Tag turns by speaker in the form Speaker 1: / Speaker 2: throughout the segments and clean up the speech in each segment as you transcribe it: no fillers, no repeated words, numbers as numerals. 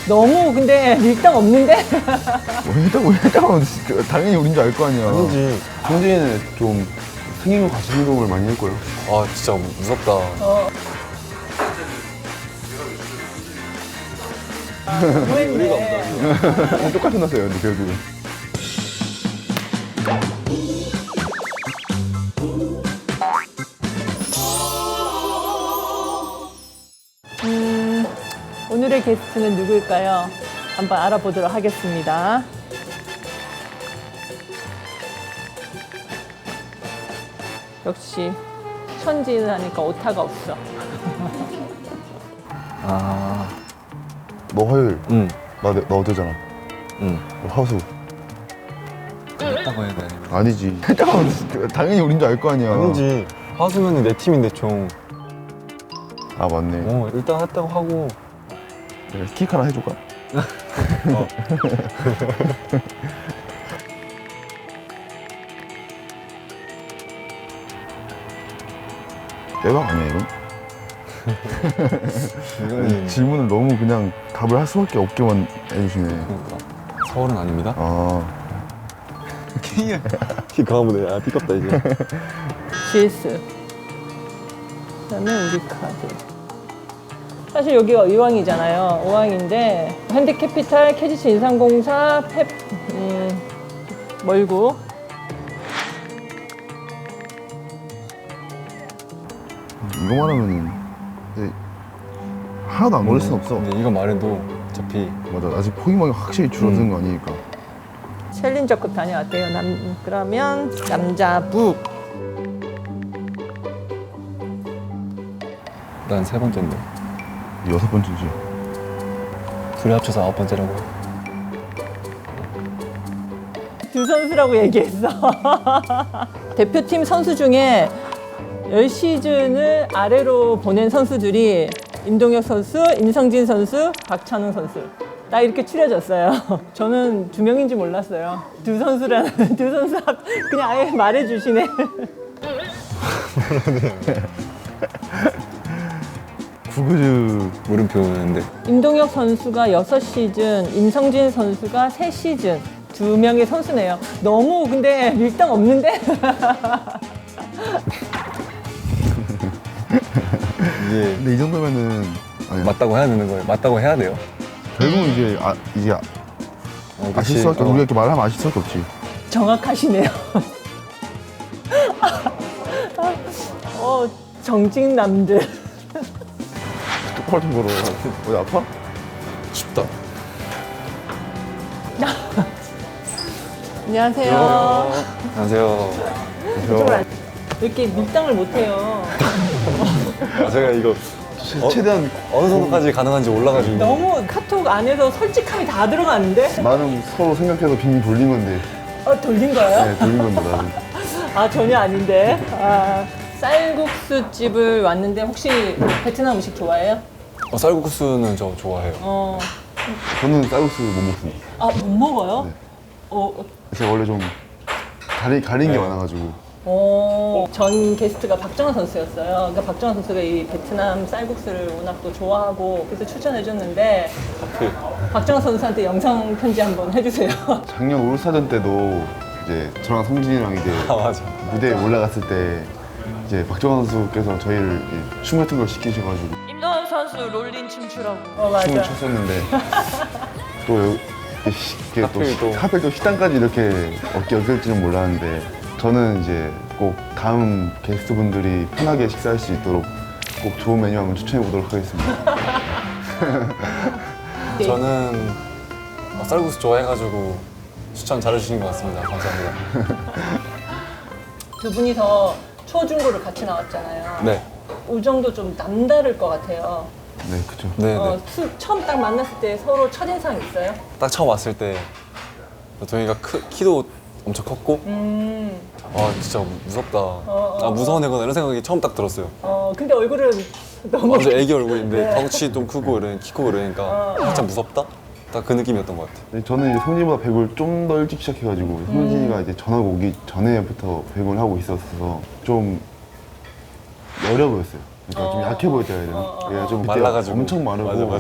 Speaker 1: 너무 근데 밀당 없는데?
Speaker 2: 일단 당연히 우린 줄 알 거 아니야.
Speaker 3: 아니지.
Speaker 2: 성진이는 좀 생긴 거 같이 행동을 많이 할 거예요.
Speaker 3: 아 진짜 무섭다.
Speaker 1: 네.
Speaker 2: 똑같은 났어요, 근데 결국은.
Speaker 1: 오늘의 게스트는 누구일까요? 한번 알아보도록 하겠습니다. 역시 천지는 하니까 오타가 없어.
Speaker 2: 너 화요일,
Speaker 3: 응.
Speaker 2: 나 어제잖아.
Speaker 3: 응.
Speaker 2: 너 화수.
Speaker 3: 했다고 해야 돼.
Speaker 2: 아니지. 당연히 우린 줄 알 거 아니야.
Speaker 3: 아니지. 화수면은 내 팀인데 총.
Speaker 2: 아, 맞네.
Speaker 3: 일단 했다고 하고.
Speaker 2: 내가 스틱 하나 해줄까? 대박 아니야, 이건?
Speaker 3: 이거는
Speaker 2: 질문을 너무 그냥 답을 할 수밖에 없게만 해주시네.
Speaker 3: 그러니까 서울은 아닙니다.
Speaker 2: 아,
Speaker 3: 키 강화문에 띠껍다 이제.
Speaker 1: GS. 그다음에 우리 카드. 사실 여기가 의왕이잖아요. 의왕인데 현대캐피탈, KGC 인삼공사, 멀고.
Speaker 2: 이거만 하면은 이제 하나도 안 걸릴 순 없어.
Speaker 3: 근데 이거 말해도 어차피
Speaker 2: 맞아, 아직 포기망이 확실히 줄어든 거 아니니까.
Speaker 1: 챌린저급 다녀왔대요. 그러면 남자부.
Speaker 3: 난 세 번째인데.
Speaker 2: 6번째지.
Speaker 3: 둘이 합쳐서 9번째라고.
Speaker 1: 두 선수라고 얘기했어. 대표팀 선수 중에 10시즌을 아래로 보낸 선수들이 임동혁 선수, 임성진 선수, 박찬웅 선수. 딱 이렇게 추려졌어요. 저는 두 명인지 몰랐어요. 두 선수라는, 두 선수 그냥 아예 말해주시네.
Speaker 2: 구그즈.
Speaker 3: 물음표였는데.
Speaker 1: 임동혁 선수가 6시즌, 임성진 선수가 3시즌. 두 명의 선수네요. 너무 근데 밀당 없는데?
Speaker 3: 이게
Speaker 2: 근데 이 정도면은 아니야.
Speaker 3: 맞다고 해야 되는 거예요. 맞다고 해야 돼요.
Speaker 2: 결국은 이제 아실 수밖에 우리가 이렇게 말하면 아실 수밖에 없지.
Speaker 1: 정확하시네요. 정직남들.
Speaker 2: 똑바로 좀 걸어. 어디 아파?
Speaker 3: 춥다.
Speaker 1: 안녕하세요.
Speaker 3: 안녕하세요.
Speaker 1: 이쪽으로 앉- 이렇게 밀당을 못해요.
Speaker 3: 제가 이거
Speaker 2: 최대한
Speaker 3: 어느 정도까지 가능한지 올라가지고.
Speaker 1: 너무 카톡 안에서 솔직함이 다 들어가는데?
Speaker 2: 나는 서로 생각해서 빙빙 돌린 건데.
Speaker 1: 돌린 거예요?
Speaker 2: 네, 돌린 건데 나는.
Speaker 1: 전혀 아닌데. 쌀국수 집을 왔는데 혹시 베트남 음식 좋아해요?
Speaker 3: 쌀국수는 저 좋아해요.
Speaker 2: 저는 쌀국수 못 먹습니다.
Speaker 1: 못 먹어요?
Speaker 2: 네. 제가 원래 좀 가린 게 많아가지고.
Speaker 1: 전 게스트가 박정환 선수였어요. 그러니까 박정환 선수가 이 베트남 쌀국수를 워낙 또 좋아하고 그래서 추천해줬는데 박정환 선수한테 영상 편지 한번 해주세요.
Speaker 2: 작년 올스타전 때도 이제 저랑 성진이랑 이제
Speaker 3: 맞아.
Speaker 2: 무대에 올라갔을 때 이제 박정환 선수께서 저희를 이제 춤 같은 걸 시키셔가지고
Speaker 1: 임동혁 선수 롤린 춤추라고.
Speaker 2: 춤을
Speaker 1: 맞아.
Speaker 2: 췄었는데 또
Speaker 3: 하필 또.
Speaker 2: 하필 또 식당까지 이렇게 엮일 줄은 몰랐는데 저는 이제 꼭 다음 게스트분들이 편하게 식사할 수 있도록 꼭 좋은 메뉴 한번 추천해 보도록 하겠습니다.
Speaker 1: 네.
Speaker 3: 저는 쌀국수 좋아해가지고 추천 잘해주신 것 같습니다. 감사합니다.
Speaker 1: 두 분이서 초중고를 같이 나왔잖아요.
Speaker 3: 네.
Speaker 1: 우정도 좀 남다를 것 같아요.
Speaker 2: 네, 그쵸.
Speaker 3: 네.
Speaker 1: 처음 딱 만났을 때 서로 첫인상 있어요?
Speaker 3: 딱 처음 왔을 때 동이가 키도 엄청 컸고 진짜 무섭다. 무서운 애구나 이런 생각이 처음 딱 들었어요.
Speaker 1: 근데 얼굴은 너무
Speaker 3: 완전 애기 얼굴인데
Speaker 1: 네.
Speaker 3: 덩치 좀 크고 키 크고 이러니까 살짝 무섭다? 딱 그 느낌이었던 것 같아요.
Speaker 2: 네, 저는 이제 성진이보다 배구를 좀 더 일찍 시작해가지고 성진이가 이제 전학 오기 전에부터 배구를 하고 있었어서 좀 어려 보였어요. 그러니까 좀 약해 보였다 해야 되나? 얘가 좀 그때
Speaker 3: 말라가지고.
Speaker 2: 엄청 마르고
Speaker 3: 맞아.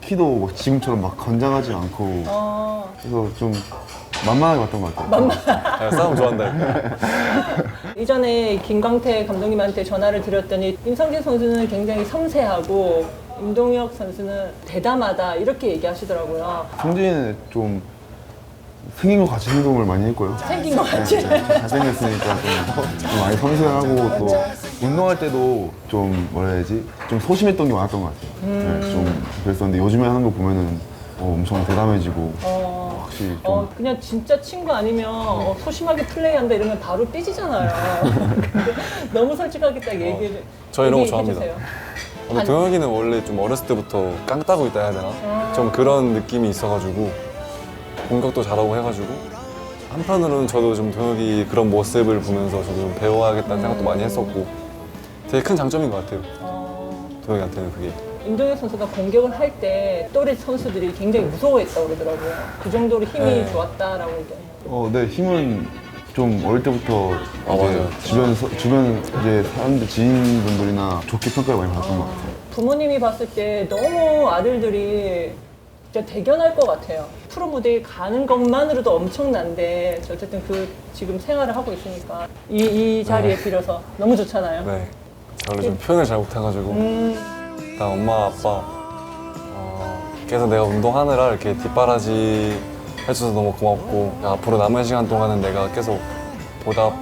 Speaker 2: 키도 뭐 지금처럼 막 건장하지 않고 그래서 좀 만만하게 봤던 것 같아요.
Speaker 3: 아, 싸움 좋아한다.
Speaker 1: 이전에 김광태 감독님한테 전화를 드렸더니 임성진 선수는 굉장히 섬세하고 임동혁 선수는 대담하다 이렇게 얘기하시더라고요.
Speaker 2: 성진이는 좀 생긴 것 같이 행동을 많이 했고요.
Speaker 1: 생긴 것 같이.
Speaker 2: 잘생겼으니까 좀 많이 섬세하고 또 운동할 때도 좀 뭐라 해야지 좀 소심했던 게 많았던 것 같아요. 네, 좀 그랬었는데 요즘에 하는 거 보면은 엄청 대담해지고 확실히 좀
Speaker 1: 그냥 진짜 친구 아니면 소심하게 플레이한다 이러면 바로 삐지잖아요. 근데 너무 솔직하게 딱 얘기를
Speaker 3: 저 이런 거
Speaker 1: 얘기해
Speaker 3: 좋아합니다.
Speaker 1: 주세요.
Speaker 3: 근데 동혁이는 원래 좀 어렸을 때부터 깡 따고 있다 해야 되나? 좀 그런 느낌이 있어가지고 공격도 잘하고 해가지고 한편으로는 저도 좀 동혁이 그런 모습을 보면서 저도 좀 배워야겠다는 생각도 많이 했었고 되게 큰 장점인 것 같아요. 동혁이한테는 그게.
Speaker 1: 임동혁 선수가 공격을 할 때 또래 선수들이 굉장히 무서워했다고 그러더라고요. 그 정도로 힘이
Speaker 3: 네.
Speaker 1: 좋았다라고 얘기해요.
Speaker 2: 네, 힘은 좀 어릴 때부터
Speaker 3: 아,
Speaker 2: 이제
Speaker 3: 맞아요.
Speaker 2: 주변 이제 사람들 지인분들이나 좋게 평가를 많이 받았던 것 같아요.
Speaker 1: 부모님이 봤을 때 너무 아들들이 진짜 대견할 것 같아요. 프로 무대에 가는 것만으로도 엄청난데 어쨌든 그 지금 생활을 하고 있으니까 이 자리에 빌어서 너무 좋잖아요.
Speaker 3: 네. 제가 원래 좀 표현을 잘 못해가지고 일단 엄마 아빠 계속 내가 운동하느라 이렇게 뒷바라지 해줘서 너무 고맙고 앞으로 남은 시간 동안은 내가 계속 보답할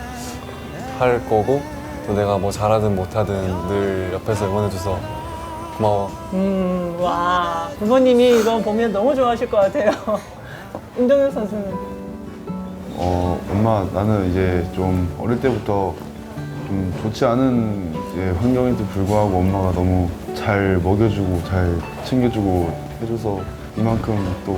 Speaker 3: 거고 또 내가 뭐 잘하든 못하든 늘 옆에서 응원해줘서 고마워.
Speaker 1: 와 부모님이 이거 보면 너무 좋아하실 것 같아요. 임동혁 선수는
Speaker 2: 엄마 나는 이제 좀 어릴 때부터 좀 좋지 않은 이제 환경에도 불구하고 엄마가 너무 잘 먹여주고 잘 챙겨주고 해줘서 이만큼 또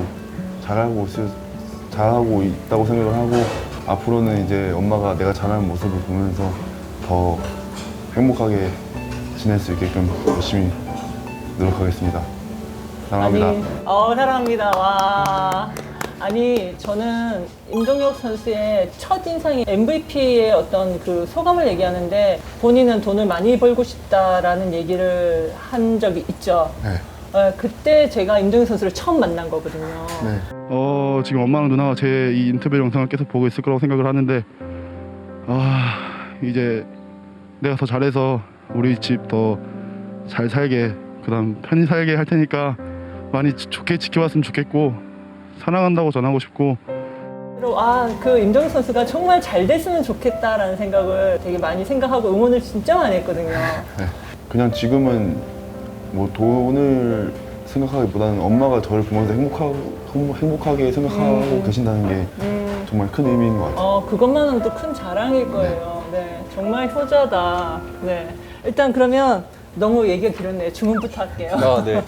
Speaker 2: 잘하고 있다고 생각을 하고 앞으로는 이제 엄마가 내가 잘하는 모습을 보면서 더 행복하게 지낼 수 있게끔 열심히 노력하겠습니다. 사랑합니다.
Speaker 1: 사랑합니다. 와. 아니, 저는 임동혁 선수의 첫인상이 MVP의 어떤 그 소감을 얘기하는데 본인은 돈을 많이 벌고 싶다라는 얘기를 한 적이 있죠.
Speaker 2: 네.
Speaker 1: 그때 제가 임동혁 선수를 처음 만난 거거든요.
Speaker 2: 네.
Speaker 4: 지금 엄마랑 누나가 제 이 인터뷰 영상을 계속 보고 있을 거라고 생각을 하는데 이제 내가 더 잘해서 우리 집 더 잘 살게 그다음 편히 살게 할 테니까 많이 좋게 지켜봤으면 좋겠고 사랑한다고 전하고 싶고
Speaker 1: 그리고 그 임동혁 선수가 정말 잘 됐으면 좋겠다라는 생각을 되게 많이 생각하고 응원을 진짜 많이 했거든요.
Speaker 2: 네. 그냥 지금은 뭐 돈을 생각하기보다는 엄마가 저를 보면서 행복하게 생각하고 계신다는 게 정말 큰 의미인 것 같아요.
Speaker 1: 그것만으로도 큰 자랑일 거예요. 네, 정말 효자다. 네, 일단 그러면 너무 얘기가 길었네요. 주문부터 할게요.
Speaker 3: 아, 네.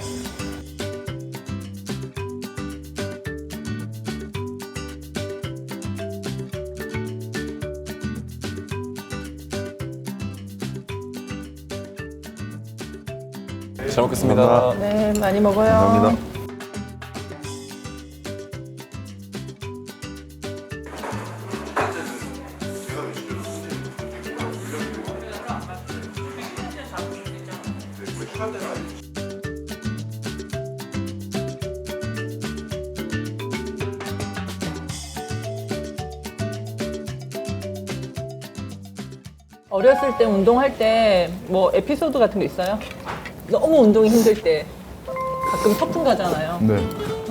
Speaker 3: 잘 먹겠습니다.
Speaker 2: 감사합니다.
Speaker 1: 네, 많이 먹어요.
Speaker 2: 감사합니다.
Speaker 1: 어렸을 때 운동할 때 뭐 에피소드 같은 거 있어요? 너무 운동이 힘들 때 가끔 소풍 가잖아요.
Speaker 2: 네.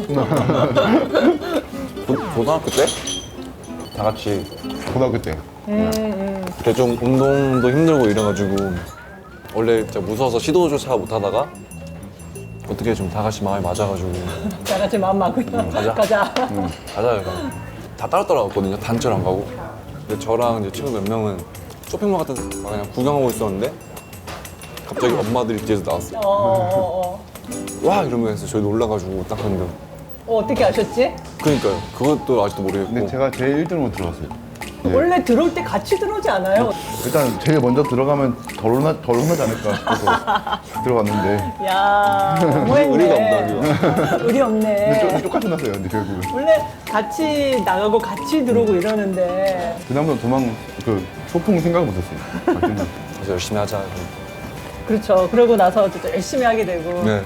Speaker 3: 고등학교 때? 다 같이
Speaker 2: 고등학교 때.
Speaker 3: 그때 좀 운동도 힘들고 이래가지고 원래 진짜 무서워서 시도조차 못하다가 어떻게 좀 다 같이 마음이 맞아가지고
Speaker 1: 다 같이 마음 맞고요.
Speaker 3: 가자.
Speaker 1: 가자.
Speaker 3: 가자 이거 다 따로 갔거든요. 단체로 안 가고. 근데 저랑 이제 친구 몇 명은 쇼핑몰 같은 데 그냥 구경하고 있었는데 갑자기 엄마들이 뒤에서 나왔어요. 와 이러면서 저희 놀라가지고 딱 했는데
Speaker 1: 어떻게 아셨지?
Speaker 3: 그러니까요. 그것도 아직도 모르겠고.
Speaker 2: 근데 제가 제일 1등으로 들어왔어요. 네.
Speaker 1: 원래 들어올 때 같이 들어오지 않아요?
Speaker 2: 일단 제일 먼저 들어가면 덜 혼나지 않을까 싶어서 들어갔는데
Speaker 1: 야, 너무했네.
Speaker 3: 의리가 없다,
Speaker 1: 의리 없네.
Speaker 2: 근데 똑같이 났어요. 근데 결국은
Speaker 1: 원래 같이 나가고 같이 들어오고 이러는데
Speaker 2: 그다음부터 소풍 생각 못했어요.
Speaker 3: 그래서 열심히 하자.
Speaker 1: 그렇죠. 그러고 나서 진짜 열심히 하게 되고
Speaker 3: 네.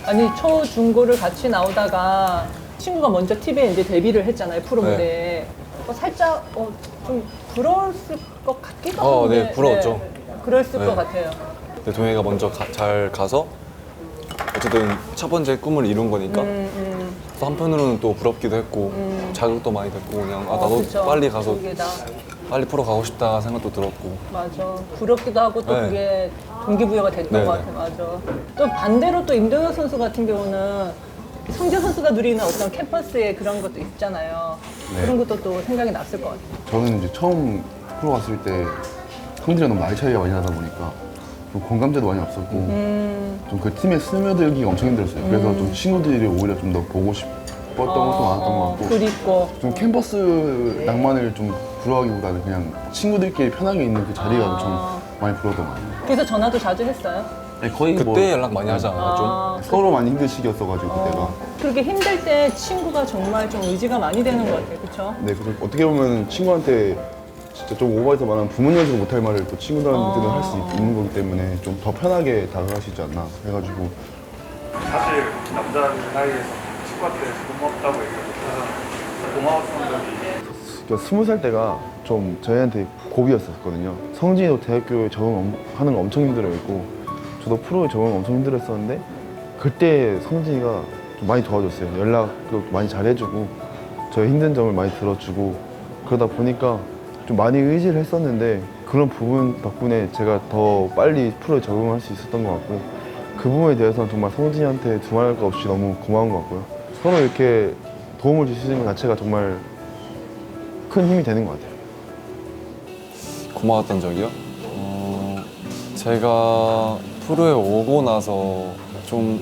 Speaker 1: 아니 초, 중고를 같이 나오다가 친구가 먼저 TV에 이제 데뷔를 했잖아요 프로
Speaker 3: 네.
Speaker 1: 무대에. 살짝 좀 부러웠을 것 같기도
Speaker 3: 네,
Speaker 1: 한데.
Speaker 3: 부러웠죠.
Speaker 1: 네, 그랬을
Speaker 3: 네.
Speaker 1: 것 같아요.
Speaker 3: 근데 동해가 먼저 잘 가서 어쨌든 첫 번째 꿈을 이룬 거니까 또 한편으로는 또 부럽기도 했고 자극도 많이 됐고 그냥 나도
Speaker 1: 그쵸.
Speaker 3: 빨리 가서
Speaker 1: 그게 다
Speaker 3: 빨리 프로 가고 싶다 생각도 들었고
Speaker 1: 맞아. 부럽기도 하고 또
Speaker 3: 네.
Speaker 1: 그게 동기부여가 됐던
Speaker 3: 네,
Speaker 1: 것
Speaker 3: 네.
Speaker 1: 같아. 맞아. 또 반대로 또 임동혁 선수 같은 경우는 성재 선수가 누리는 어떤 캠퍼스의 그런 것도 있잖아요.
Speaker 2: 네.
Speaker 1: 그런 것도 또 생각이 났을 것 같아요.
Speaker 2: 저는 이제 처음 프로 갔을 때 성질이 너무 나이 차이가 많이 나다 보니까 좀 공감대도 많이 없었고 좀 그 팀에 스며들기가 엄청 힘들었어요. 그래서 좀 친구들이 오히려 좀 더 보고 싶었던 것도 많았던 것 같고
Speaker 1: 그립고.
Speaker 2: 좀 캠퍼스 낭만을 좀 부러워하기보다는 그냥 친구들끼리 편하게 있는 그 자리가 좀 많이 부러웠던 것 같아요.
Speaker 1: 그래서 전화도 자주 했어요.
Speaker 2: 아니, 거의
Speaker 3: 그때
Speaker 2: 뭐
Speaker 3: 연락 많이 하지 않았나 좀?
Speaker 2: 서로 많이 힘든 시기였어가지고 그때가.
Speaker 1: 그렇게 힘들 때 친구가 정말 좀 의지가 많이 되는 것 같아요. 그렇죠?
Speaker 2: 네, 그래서 어떻게 보면 친구한테 진짜 좀 오버해서 말하면 부모님한테도 못할 말을 또 친구들한테는 할 수 있는 거기 때문에 좀 더 편하게 다가갈 수 있지 않나 해가지고.
Speaker 5: 사실 남자들 사이에서 친구한테 고맙다고 얘기를 못하잖아요. 고마웠던 적이
Speaker 2: 20살 때가 좀 저희한테 고비였었거든요. 성진이도 대학교에 적응하는 거 엄청 힘들어했고 저도 프로에 적응 엄청 힘들었었는데 그때 성진이가 좀 많이 도와줬어요. 연락도 많이 잘해주고 저의 힘든 점을 많이 들어주고 그러다 보니까 좀 많이 의지를 했었는데 그런 부분 덕분에 제가 더 빨리 프로에 적응할 수 있었던 것 같고 그 부분에 대해서는 정말 성진이한테 두말할 거 없이 너무 고마운 것 같고요. 서로 이렇게 도움을 줄 수 있는 것 자체가 정말 큰 힘이 되는 것 같아요.
Speaker 3: 고마웠던 적이요? 제가 프로에 오고 나서 좀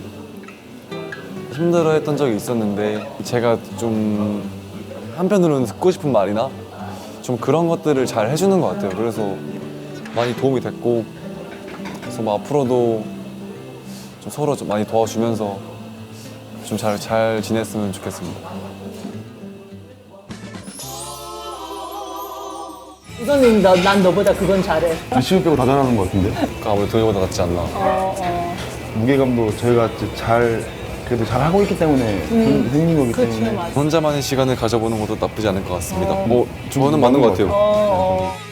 Speaker 3: 힘들어했던 적이 있었는데 제가 좀 한편으로는 듣고 싶은 말이나 좀 그런 것들을 잘 해주는 것 같아요. 그래서 많이 도움이 됐고 그래서 뭐 앞으로도 좀 서로 좀 많이 도와주면서 좀 잘 지냈으면 좋겠습니다.
Speaker 1: 이거는 난 너보다 그건 잘해.
Speaker 2: 리시브 빼고 다 잘하는 것 같은데?
Speaker 3: 그러니까 아무래도 동해보다 낫지 않나.
Speaker 2: 무게감도 저희가 그래도 잘 하고 있기 때문에 생긴 거기
Speaker 1: 그렇죠,
Speaker 2: 때문에
Speaker 1: 맞아.
Speaker 3: 혼자만의 시간을 가져보는 것도 나쁘지 않을 것 같습니다. 뭐 저는 맞는 것 같아요.
Speaker 1: 어.